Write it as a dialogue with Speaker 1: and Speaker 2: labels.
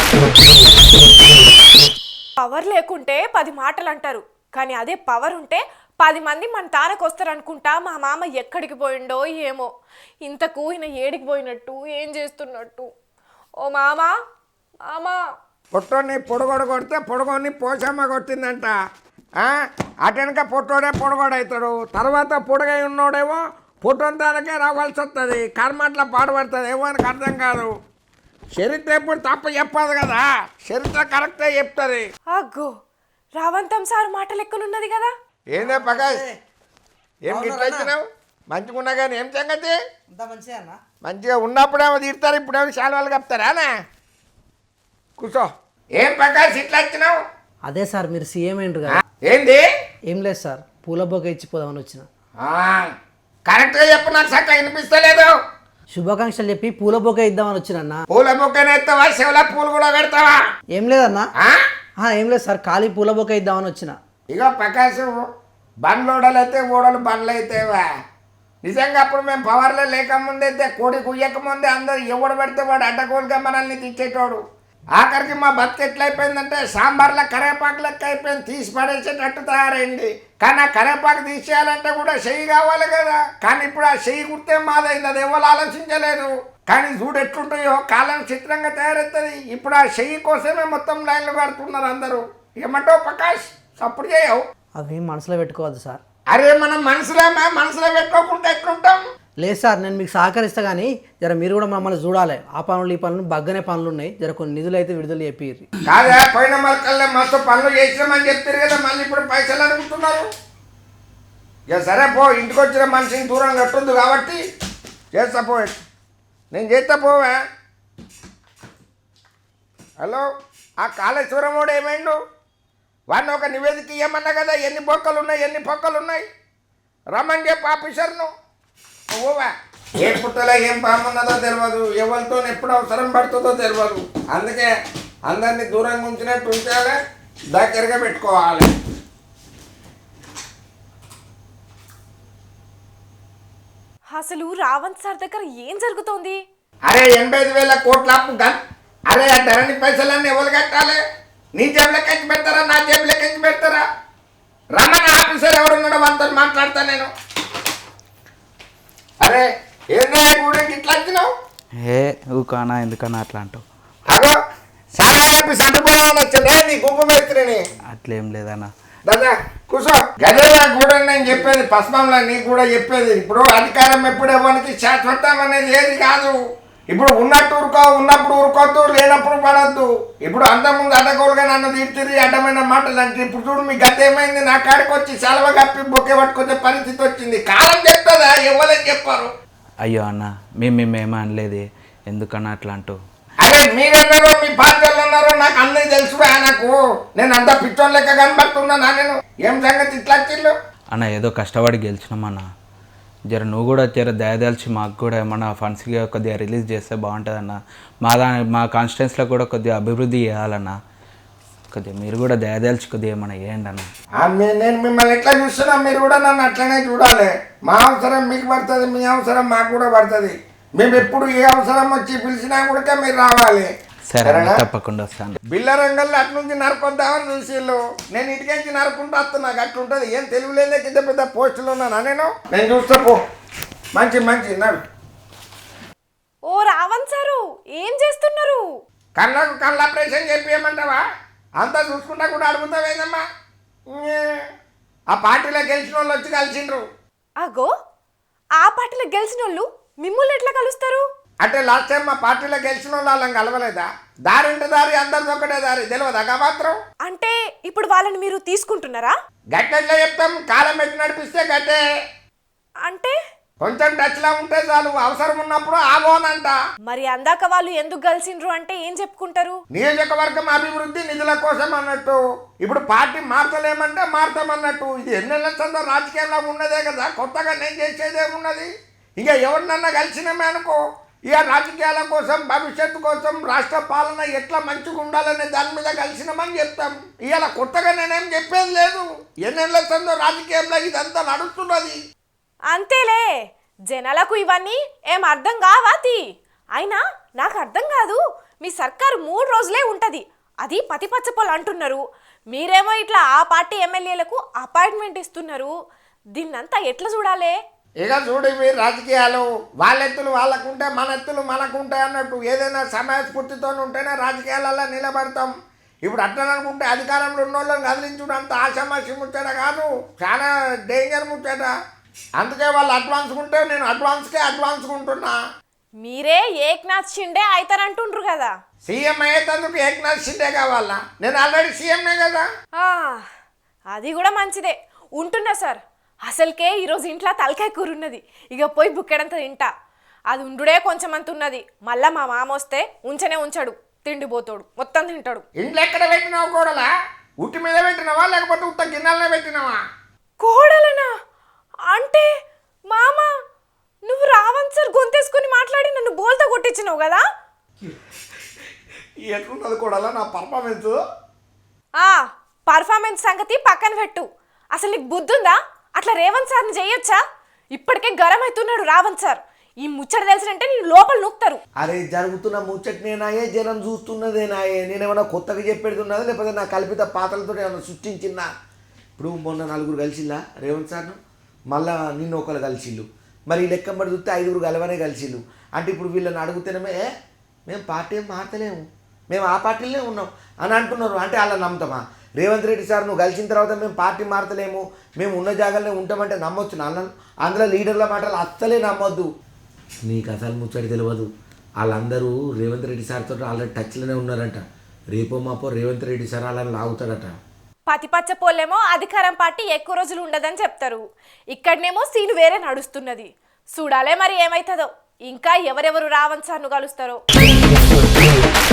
Speaker 1: Power లేకుంటే 10 మాటలు అంటారు, కానీ అదే పవర్ ఉంటే 10 మంది మన తారకు వస్తారనుకుంటా. మా మామ ఎక్కడికి పోయిండో ఏమో, ఇంతకు ఈయన ఏడికి పోయినట్టు, ఏం చేస్తున్నట్టు. ఓ మామా, మామా.
Speaker 2: పొట్టోని పొడగొడ కొడితే పొడగొని పోసమ్మ కొట్టిందంట. అటెనక పొట్టోడే పొడగొడవుతాడు, తర్వాత పొడగై ఉన్నోడేమో పొట్టోని దానికే రావాల్సి వస్తుంది. కర్మట్ల పాడుపడుతుంది, ఏమో అని అర్థం కాదు. చరిత్ర ఎప్పుడు తప్ప చెప్పదు కదా, చరిత్ర కరెక్టే చెప్తుంది.
Speaker 1: అగ్గో, రావంతం సార్ మాట లెక్కనున్నది కదా.
Speaker 2: ఏందే ప్రకాష్, ఏం గిట్లయితున్నావు? మంచిగా ఉన్నా కానీ ఏం సంగతి? మంచిగా ఉన్నప్పుడేమో తీరుతారు, ఇప్పుడేమో శాలువాలు కప్తారా? కూర్చో. ఏం ప్రకాష్ ఇట్లా వచ్చినావు?
Speaker 3: అదే సార్, మీరు సీఎం ఏంటి కదా.
Speaker 2: ఏంది?
Speaker 3: ఏం లేదు సార్, పూల బొక్క ఇచ్చిపోదామని వచ్చిన.
Speaker 2: కరెక్ట్గా చెప్పు, నాకు సక్క వినిపిస్తలేదు.
Speaker 3: శుభాకాంక్షలు చెప్పి పూల బొక్క ఇద్దామని వచ్చినన్నా.
Speaker 2: పూల బొక్కనే ఎత్తావా, శివల పూలు కూడా పెడతావా?
Speaker 3: ఏం లేదన్నా, ఏం లేదు సార్, ఖాళీ పూల బొక్క ఇద్దామని వచ్చిన.
Speaker 2: ఇగో ప్రకాశ్, బండ్లు ఓడలు అయితే ఓడలు బండ్లు అయితేవా. నిజంగా అప్పుడు మేము పవర్లో లేకముందైతే కోడి కుయ్యకముందే అందరు ఎవడు పెడితే వాడు అడ్డగోలుగా మనల్ని తెచ్చేటోడు. ఆఖరికి మా బతుకు ఎట్లయిపోయిందంటే సాంబార్లో కరేపాకు లెక్క అయిపోయింది, తీసి పడేసేటట్టు తయారైంది. కానీ ఆ కరేపాకు తీసేయాలంటే కూడా చెయ్యి కావాలి కదా. కానీ ఇప్పుడు ఆ చెయ్యి కుడితే మాదైంది, అది ఎవరు ఆలోచించలేదు. కానీ చూడు ఎట్లుంటాయో, కాలం చిత్రంగా తయారవుతుంది. ఇప్పుడు ఆ చెయ్యి కోసమే మొత్తం లైన్లు కడుతున్నారు అందరూ. ఏమంటావు ప్రకాష్? సపోర్ట్ చేయవు?
Speaker 3: అవి మనసులో పెట్టుకోవద్దు సార్.
Speaker 2: అరే మనం మనసులో పెట్టుకోకుండా ఎట్లుంటాం?
Speaker 3: లేదు సార్, నేను మీకు సహకరిస్తా, కానీ జర మీరు కూడా మమ్మల్ని చూడాలి. ఆ పనులు ఈ పనులు బగ్గనే పనులు ఉన్నాయి, జర కొన్ని నిధులు అయితే విడుదల చెప్పిర్రి.
Speaker 2: కాదా, పోయిన మళ్ళీ మస్తు పనులు చేసినామని చెప్తారు కదా, మళ్ళీ ఇప్పుడు పైసలు అడుగుతున్నారు. ఇక సరే పో, ఇంటికి వచ్చిన మనిషిని దూరం కట్టుంది కాబట్టి చేస్తా పో. నేను చేస్తా పోవా. హలో, ఆ కాళేశ్వరం వాడు ఏమైండు? వాడిని ఒక నివేదిక ఇవ్వమన్నా కదా, ఎన్ని బొక్కలు ఉన్నాయి, ఎన్ని పొక్కలు ఉన్నాయి, రమ్మని చెప్పి ఆఫీసర్ను. ఓవా, ఏ పుట్టలో ఏం పామున్నదో తెలియదు, ఎవరితో ఎప్పుడు అవసరం పడుతుందో తెలియదు. అందుకే అందరినీ దూరంగా ఉంచినట్టు ఉంచాలి, దగ్గరగా పెట్టుకోవాలి.
Speaker 1: అసలు రావంత్ సార్ దగ్గర ఏం జరుగుతోంది?
Speaker 2: అరే 85,000 కోట్ల అప్పు. అరే ఆ ధరణి పైసలన్నీ ఎవరు కట్టాలి? నీ జేబులో ఖర్చు పెడతారా, నా జేబులో ఖర్చు పెడతారా? రమ్మని ఆఫీసర్ ఎవరున్నాడో వాళ్ళతో మాట్లాడతా నేను. అరే ఏందా గుడికి ఇట్లా వచ్చినావు?
Speaker 4: ఊకానా ఎందుకన్నా అట్లా అంటావు?
Speaker 2: అగో చాలా చెప్పి సంటుపోవాలని వచ్చిందే నీ గుంపు మేస్త్రిని.
Speaker 4: అట్లేం లేదన్నా.
Speaker 2: దాదా కూర్చో. గదే నా కూడా నేను చెప్పేది, పశ్చిమంలో నీకు కూడా చెప్పేది. ఇప్పుడు అధికారం ఎప్పుడు ఎవరికి శాశ్వతం అనేది ఏది కాదు. ఇప్పుడు ఉన్నట్టు ఉన్నప్పుడు ఊరుకోవద్దు, లేనప్పుడు పడద్దు. ఇప్పుడు అంతకుముందు అడ్డగోలుగా నన్ను తీర్చిరి అడ్డమైన మాటలు అంటే, ఇప్పుడు చూడు మీ గత ఏమైంది, నా కాడికి వచ్చి సెలవు కప్పి బొక్కే పట్టుకొచ్చే పరిస్థితి వచ్చింది. కాలం చెప్తుందా, ఎవరైనా చెప్పారు.
Speaker 4: అయ్యో అన్న, మేమేమీ అనలేదు, ఎందుకన్నా అట్లా అంటావు?
Speaker 2: అరే మీరన్నారో మీ పార్టీలు అన్నారో నాకు అన్నీ తెలుసురా. నాకు నేను అంతా పిచ్చోన్ లెక్క కనబడుతున్నా. నేను ఏం సంగతి ఇట్లా వచ్చిళ్ళు?
Speaker 4: అన్న ఏదో కష్టపడి గెలిచినామన్నా, జర నువ్వు కూడా జర దయదలిచి మాకు కూడా ఏమన్నా ఫండ్స్గా కొద్దిగా రిలీజ్ చేస్తే బాగుంటుందన్న. మా కాన్స్టిట్యున్సీలో కూడా కొద్దిగా అభివృద్ధి చేయాలన్న, కొద్దిగా మీరు కూడా దయదలిచి కొద్దిగా ఏమన్నా చేయండి అన్న.
Speaker 2: నేను మిమ్మల్ని ఎట్లా చూస్తున్నా, మీరు కూడా నన్ను అట్లనే చూడాలి. మా అవసరం మీకు పడుతుంది, మీ అవసరం మాకు కూడా పడుతుంది. మేము ఎప్పుడు ఏ అవసరం వచ్చి పిలిచినా కూడా మీరు రావాలి.
Speaker 4: సరే తప్పకుండా వస్తాను.
Speaker 2: బిల్ల రంగంలో అటు నుంచి నరుకొద్దామని చూసిళ్ళు, నేను ఇటుకెంచి నరుకుంటూ వస్తా. నాకు అట్లుంటుంది. ఏం తెలివిలేదే కింద పెద్ద పోస్టులు ఉన్నానా నేను చూస్తా పో. మంచి నడు.
Speaker 1: ఓ రావంత్ సారు, ఏం చేస్తున్నారు?
Speaker 2: కళ్ళకు కళ్ళ ఆపరేషన్ చెప్పేయమంటావా? అంతా చూసుకుంటా కూడా అడుగుతావేదమ్మా. ఆ పార్టీలో గెలిచిన వాళ్ళు వచ్చి కలిసిండ్రు.
Speaker 1: అగో, ఆ పార్టీలో గెలిచిన వాళ్ళు మిమ్మల్ని ఎట్లా కలుస్తారు?
Speaker 2: అంటే లాస్ట్ టైం మా పార్టీలో గెలిచిన వాళ్ళని కలవలేదా? దారి అంటే దారి, అందరిది ఒకటే దారి, తెలియదా మాత్రం? అంటే
Speaker 1: ఇప్పుడు వాళ్ళని మీరు తీసుకుంటున్నారా?
Speaker 2: గట్టెట్లా చెప్తాం, కాలం పెట్టి నడిపిస్తే గట్టే.
Speaker 1: అంటే
Speaker 2: కొంచెం టచ్లా ఉంటే చాలు, అవసరం ఉన్నప్పుడు ఆగోనంట.
Speaker 1: మరి అందాక వాళ్ళు ఎందుకు కలిసిండ్రు అంటే ఏం చెప్పుకుంటారు?
Speaker 2: నియోజకవర్గం అభివృద్ధి నిధుల కోసం అన్నట్టు. ఇప్పుడు పార్టీ మార్చలేమంటే మార్తామన్నట్టు. ఇది ఎన్నెళ్ళ చందా రాజకీయాల్లో ఉన్నదే కదా, కొత్తగా నేను చేసేదేమున్నది? ఇక ఎవరినన్నా కలిసినామే అనుకో, ఇక రాజకీయాల కోసం, భవిష్యత్తు కోసం, రాష్ట్ర పాలన ఎట్లా మంచిగా ఉండాలనే దాని మీద కలిసినామని చెప్తాం. ఇవాళ కొత్తగా నేనేం చెప్పేది లేదు. ఎన్నెళ్ళ చందో రాజకీయంలో ఇదంతా నడుస్తున్నది.
Speaker 1: అంతేలే, జనాలకు ఇవన్నీ ఏం అర్థం కావాతి. అయినా నాకు అర్థం కాదు, మీ సర్కారు 3 రోజులే ఉంటుంది, అది పతిపచ్చపోలు అంటున్నారు. మీరేమో ఇట్లా ఆ పార్టీ ఎమ్మెల్యేలకు అపాయింట్మెంట్ ఇస్తున్నారు. దీన్నంతా ఎట్లా చూడాలి?
Speaker 2: ఇక చూడు ఇవి రాజకీయాలు, వాళ్ళ ఎత్తులు వాళ్ళకుంటే మన ఎత్తులు మనకుంటాయి అన్నట్టు. ఏదైనా సమయస్ఫూర్తితో ఉంటేనే రాజకీయాలలో నిలబడతాం. ఇప్పుడు అట్లా అనుకుంటే అధికారంలో ఉన్న వాళ్ళని కదిలించుడు అంత ఆషామాషి ముచ్చట కాదు, చాలా డేంజర్ ముచ్చట. అందుకే వాళ్ళు అడ్వాన్స్ ఉంటే నేను అడ్వాన్స్గా ఉంటున్నా.
Speaker 1: మీరే ఏక్నాథ్ షిండే అవుతారంటుండ్రు కదా.
Speaker 2: సీఎం అయ్యేందుకు ఏక్నాథ్ షిండే కావాలా? నేను ఆల్రెడీ సీఎంనే కదా.
Speaker 1: అది కూడా మంచిదే. ఉంటున్నా సార్. అసలుకే ఈరోజు ఇంట్లో తలకాయ కూర ఉన్నది, ఇక పోయి బుక్కెడంత తింటా. అది ఉండుడే కొంచెం అంత ఉన్నది. మళ్ళా మా మామ వస్తే ఉంచనే ఉంచాడు, తిండిపోతాడు, మొత్తం తింటాడు.
Speaker 2: ఇంట్లో ఎక్కడ పెట్టినావు కోడలా? ఉట్టి మీద పెట్టినావా లేకపోతే ఉత్త గిన్నెలనే పెట్టినావా?
Speaker 1: కోడలనా? అంటే మామ నువ్వు రావణ్ సార్ గొంతేసుకుని మాట్లాడి నన్ను బోల్తా కొట్టించినావు కదా.
Speaker 2: ఎట్లున్నది కోడలా నా పర్ఫార్మెన్స్?
Speaker 1: పర్ఫార్మెన్స్ సంగతి పక్కన పెట్టు. అసలు నీకు బుద్ధి ఉందా? అట్లా రేవంత్ సార్ని చేయొచ్చా? ఇప్పటికే గరం అవుతున్నాడు రావణ్ సార్. ఈ ముచ్చట తెలిసినంటే నేను లోపల నూకుతారు.
Speaker 5: అరే జరుగుతున్న ముచ్చటనేనాయే, జనం చూస్తున్నదేనాయే. నేనేమన్నా కొత్తగా చెప్పేడుతున్నది లేకపోతే నా కల్పిత పాత్రలతో ఏమైనా సృష్టించినా? ఇప్పుడు మొన్న 4 కలిసిల్లా రేవంత్ సార్ను, మళ్ళా నిన్న ఒకరు కలిసిళ్ళు, మరి ఈ లెక్కబడి చూస్తే 5 కలవనే కలిసిళ్ళు. అంటే ఇప్పుడు వీళ్ళని అడుగుతేనేమే మేము పార్టీ ఏం మారతలేము, మేము ఆ పార్టీలోనే ఉన్నాం అని అంటున్నారు. అంటే అలా నమ్ముతామా? రేవంత్ రెడ్డి సార్ నువ్వు కలిసిన తర్వాత మేము పార్టీ మారతలేము, మేము ఉన్న జాగాలోనే ఉంటామంటే నమ్మొచ్చు నాన్న? అందులో లీడర్ల మాటలు అస్సలే నమ్మొద్దు. నీకు అసలు ముచ్చడి తెలియదు. వాళ్ళందరూ రేవంత్ రెడ్డి సార్తో ఆల్రెడీ టచ్లోనే ఉన్నారంట. రేపో మాపో రేవంత్ రెడ్డి సార్ అలా లాగుతాడట.
Speaker 1: పతిపచ్చ పోలేమో అధికారం పార్టీ ఎక్కువ రోజులు ఉండదని చెప్తారు, ఇక్కడనేమో సీను వేరే నడుస్తున్నది. చూడాలే మరి ఏమవుతుందో. ఇంకా ఎవరెవరు రావణ్ సార్ను కలుస్తారో.